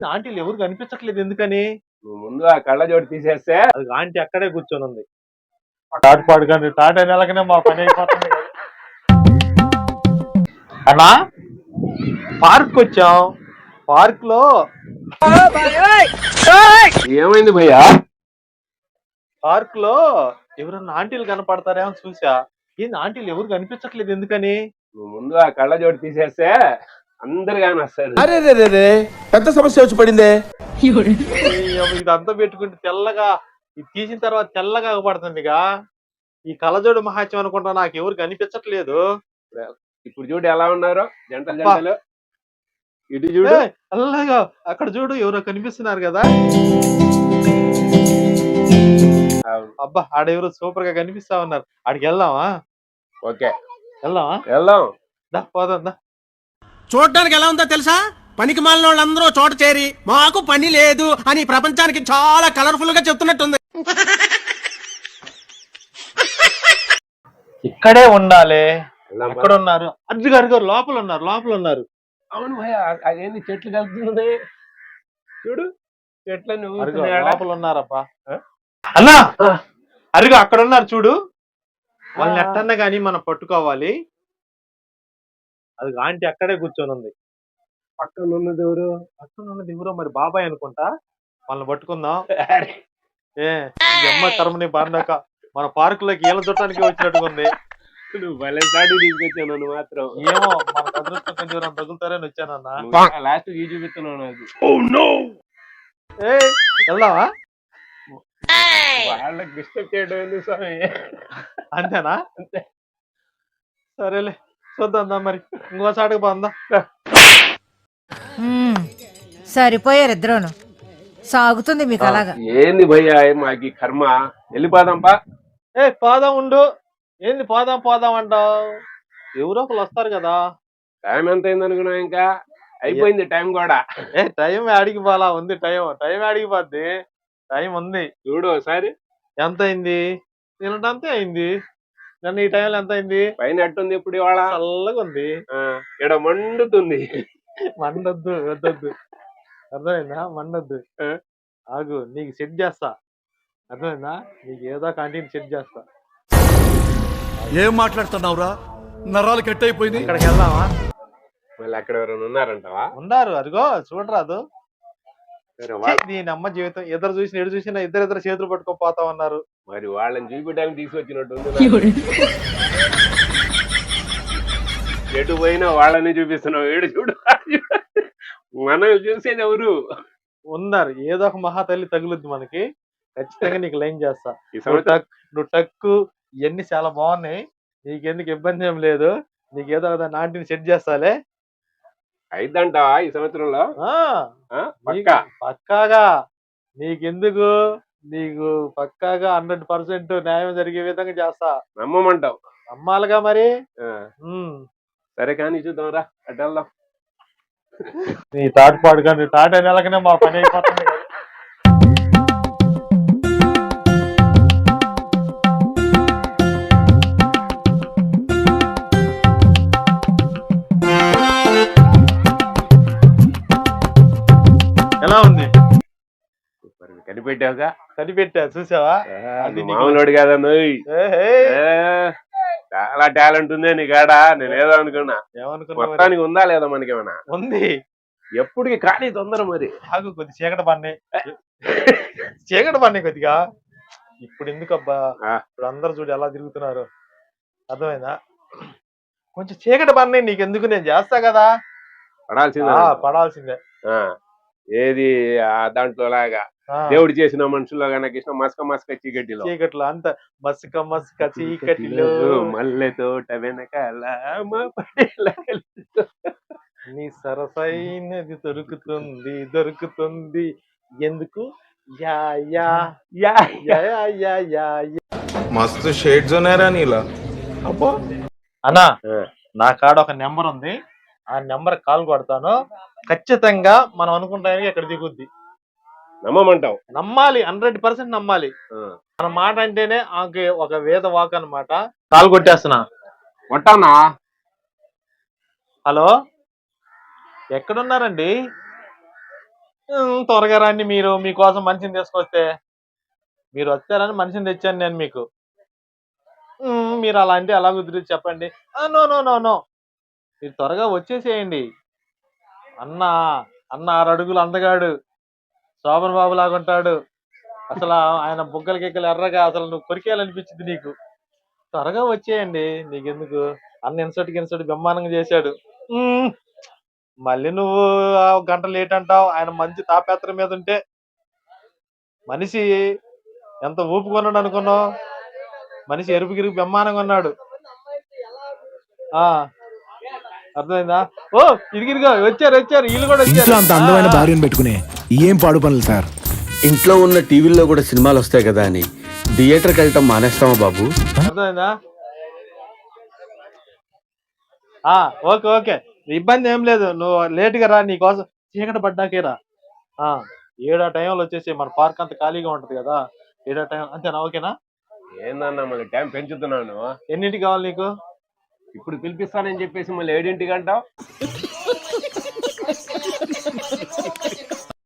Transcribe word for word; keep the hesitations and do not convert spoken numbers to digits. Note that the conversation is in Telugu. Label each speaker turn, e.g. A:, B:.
A: ఆంటీలు ఎవరు కనిపించట్లేదు ఎందుకని?
B: నువ్వు ముందు ఆ కళ్ళజోడు తీసేస్తే
A: అది ఆంటీ అక్కడే కూర్చొని ఉంది. తాట పాడుకొని తాట నెలకనే మా పని అయిపోతుంది. అన్నా పార్క్ వచ్చాం. పార్క్ లో
B: ఏమైంది భయ్యా?
A: పార్క్ లో ఎవరన్నా ఆంటీలు కనపడతారేమో చూసా. ఏంది ఆంటీలు ఎవరు కనిపించట్లేదు ఎందుకని?
B: నువ్వు ముందు ఆ కళ్ళజోడు తీసేస్తే అందరు కానీ వస్తారు.
C: అరే రే రే రే పెద్ద సమస్య వచ్చి పడిందే.
A: ఇదంతా పెట్టుకుంటే తెల్లగా ఇది తీసిన తర్వాత తెల్లగా పడుతుందిగా. ఈ కళ్ళజోడు మహాత్యం అనుకుంటా నాకు ఎవరు కనిపించట్లేదు.
B: ఇప్పుడు చూడు ఎలా ఉన్నారు జంటలు జంటలు. ఇటు చూడు
A: అలాగా అక్కడ చూడు ఎవరో కనిపిస్తున్నారు కదా. అబ్బా ఆడెవరో సూపర్ గా కనిపిస్తా ఉన్నారు. ఆడికి వెళ్దామా?
B: ఓకే
A: వెళ్దామా?
B: వెళ్దాం
A: దా పోదాం దా.
C: చూడడానికి ఎలా ఉందో తెలుసా? పనికి మాలిన వాళ్ళందరూ చోట చేరి మాకు పని లేదు అని ప్రపంచానికి చాలా కలర్ఫుల్ గా చెప్తున్నట్టుంది.
A: ఇక్కడే ఉండాలి. ఎక్కడ ఉన్నారు? అర్జు గారు గారు లోపల ఉన్నారు లోపల ఉన్నారు.
B: అవును భయ అదేంది చెట్లు కలుపుతుంది చూడు చెట్లని
A: లోపల ఉన్నారప్పా. అన్నా అరుగు అక్కడ ఉన్నారు చూడు. వాళ్ళని ఎట్టన్నా గానీ మనం పట్టుకోవాలి. అది ఆంటీ అక్కడే కూర్చొని ఉంది.
B: పక్కన ఉన్నది ఎవరు?
A: పక్కన ఉన్నది ఎవరో మరి బాబాయ్ అనుకుంటా. వాళ్ళని పట్టుకుందాం. ఏ అమ్మ కర్మని బారినాక మన పార్క్ లోకి ఈల చుట్టానికి వచ్చినట్టుగా ఉంది.
B: నువ్వు భలే సాటి తీసుకొచ్చాను నువ్వు మాత్రం.
A: ఏమో మన అదృష్టం కొంచెం ఎవరైనా తగులుతారని వచ్చానన్నా.
B: లాస్ట్ ఈ చూపిస్తున్నావు నాకు.
A: ఏ వెళ్దావా?
B: వాళ్ళకి డిస్టర్బ్ చేయడం ఎందుకు స్వామి?
A: అంతేనా? అంతే సరేలే చూద్దాం మరి ఇంకోసాటికి పోందా.
D: సరిపోయారు ఇద్దరును. సాగుతుంది మీకు అలాగా.
B: ఏంది భయ్యా మాకి కర్మ. వెళ్ళిపోదాంపా.
A: ఏ పోదాం ఉండు. ఏంది పోదాం పోదాం అంటావు? ఎవరో ఒకరు వస్తారు కదా.
B: టైం ఎంత అయింది అనుకున్నావు? ఇంకా అయిపోయింది టైం కూడా.
A: ఏ టైం ఆడికి పోలా ఉంది. టైం టైం ఆడికి పోద్ది. టైం ఉంది
B: చూడు ఒకసారి.
A: ఎంత అయింది? తినటంతే అయింది. నన్ను ఈ టైంలో ఎంత అయింది?
B: పైన ఎట్టుంది ఇప్పుడు? ఇవాళ
A: చల్లగా ఉంది.
B: ఇక్కడ మండుతుంది.
A: మండొద్దు వద్దొద్దు అర్థమైందా? మండొద్దు. ఆగు నీకు సెట్ చేస్తా. అర్థమైందా? నీకు ఏదో కంటిన్యూ సెట్ చేస్తా.
C: ఏం మాట్లాడుతున్నావురా? నరాలు కట్ అయిపోయింది.
A: ఇక్కడికి వెళ్దామా?
B: మళ్ళీ అక్కడ ఎవరైనా ఉన్నారంటావా?
A: ఉన్నారు అదిగో చూడరాదు. దీని అమ్మ జీవితం ఇద్దరు చూసిన ఎడు చూసినా ఇద్దరు ఇద్దరు చేతులు పట్టుకొని పోతా ఉన్నారు.
B: మరి వాళ్ళని చూపించడానికి తీసుకొచ్చినట్టు ఎటు పోయినా వాళ్ళని చూపిస్తున్నావు. ఏడు చూడు మనం చూసేది ఎవరు
A: ఉన్నారు. ఏదో ఒక మహా తల్లి తగులుద్ది మనకి. ఖచ్చితంగా నీకు లైన్ చేస్తా. నువ్వు టక్కు ఇవన్నీ చాలా బాగున్నాయి. నీకెందుకు ఇబ్బంది ఏం లేదు. నీకేదో నాటిని సెట్ చేస్తాలే.
B: అయిద్దంటావా ఈ సంవత్సరంలో?
A: పక్కాగా నీకెందుకు, నీకు పక్కాగా హండ్రెడ్ పర్సెంట్ న్యాయం జరిగే విధంగా చేస్తా.
B: నమ్మమంటావు?
A: నమ్మాలిగా మరి.
B: సరే కానీ చూద్దాం రా అటు వెళ్దాం.
A: నీ తాట పాడు కానీ తాట నెలకనే మా పని అయిపోతుంది. ఎలా ఉంది?
B: కనిపెట్టావుగా?
A: కనిపెట్టా చూసావా?
B: అది మామూలుడు కదా. చాలా టాలెంట్ ఉంది నీ కాడ. నేను ఏదో అనుకున్నా. మొత్తానికి ఉందా లేదా మనకేమన్నా?
A: ఉంది.
B: ఎప్పటికి కానీ తొందర మరి.
A: ఆగు కొద్ది చీకటి పన్నే చీకటి పన్నే కొద్దిగా. ఇప్పుడు ఎందుకబ్బా? ఇప్పుడు అందరు చూడు ఎలా తిరుగుతున్నారు. అర్థమైందా? కొంచెం చీకటి పన్నే నీకెందుకు, నేను చేస్తా కదా.
B: పడాల్సిందే
A: పడాల్సిందే.
B: ఏది దాంట్లో లాగా దేవుడు చేసిన మనుషుల్లో కనుక మస్క మస్క చీకటిలో
A: చీకట్లో అంత మస్క మస్క చీకటిలో
B: మల్లె తోట వెనకాల
A: నీ సరసైనది దొరుకుతుంది దొరుకుతుంది ఎందుకు? Yeah yeah yeah yeah yeah yeah
C: మస్తు షేడ్స్ ఉన్నారా నీలా.
A: అబ్బో అన్నా నా కాడ ఒక నెంబర్ ఉంది. ఆ నెంబర్ కాల్ కొడతాను. ఖచ్చితంగా మనం అనుకుంటానికి అక్కడ దిగుద్ది.
B: నమ్మమంటావు?
A: నమ్మాలి. హండ్రెడ్ పర్సెంట్ నమ్మాలి. మన మాట అంటేనే ఆమెకి ఒక వేద వాక్ అన్నమాట. కాల్ కొట్టేస్తున్నా.
B: కొట్టానా?
A: హలో ఎక్కడున్నారండి? ఉమ్, త్వరగా రండి మీరు మీకోసం మనిషిని తీసుకొస్తే. మీరు వచ్చారని మనిషిని తెచ్చాను నేను మీకు. ఉమ్, మీరు అలా అంటే ఎలా కుదిరి చెప్పండి. నో నో నో నో మీరు త్వరగా వచ్చేసేయండి. అన్న అన్న ఆరు అడుగులు అందగాడు, శోభన్ బాబు లాగా ఉంటాడు. అసలు ఆ- ఆయన బుగ్గల గిగ్గలు ఎర్రగా అసలు నువ్వు కొరికేయాలనిపించింది నీకు. త్వరగా వచ్చేయండి, నీకెందుకు. అన్న ఇన్సర్ట్ ఇన్సర్ట్ బ్రహ్మాండంగా చేశాడు. ఉమ్, మళ్ళీ నువ్వు ఆ ఒక గంట లేట్ అంటావు. ఆయన మంచి తాపేత్ర మీద ఉంటే మనిషి ఎంత ఊపుకున్నాడు అనుకున్నావు. మనిషి ఎరుపు గిరుపు బ్రహ్మాండంగా ఉన్నాడు. ఆ అర్థమైందా? ఓ ఇదిగిరిగా వచ్చారు వచ్చారు వీళ్ళు కూడా
E: ఇంట్లో అంత అందమైన
A: వచ్చారు.
E: భార్యను పెట్టుకుని ఏం పాడు పనులు సార్.
F: ఇంట్లో ఉన్న టీవీల్లో కూడా సినిమాలు వస్తాయి కదా అని థియేటర్కి వెళ్ళటం మానేస్తామా బాబు?
A: అర్థమైందా? ఆ ఓకే ఓకే ఇబ్బంది ఏం లేదు. నువ్వు లేట్ గా రా, నీకోసం చీకటి పడ్డాకే రా. ఆ ఏడా టైంలో వచ్చేసి మన పార్క్ అంత ఖాళీగా ఉంటది కదా. ఏడా టైం అంతేనా? ఓకేనా?
B: ఏందన్నా మళ్ళీ టైం పెంచుతున్నాను.
A: ఎన్నింటికి కావాలి నీకు?
B: ఇప్పుడు పిలిపిస్తానని చెప్పేసి మళ్ళీ ఏడింటికి అంటావు.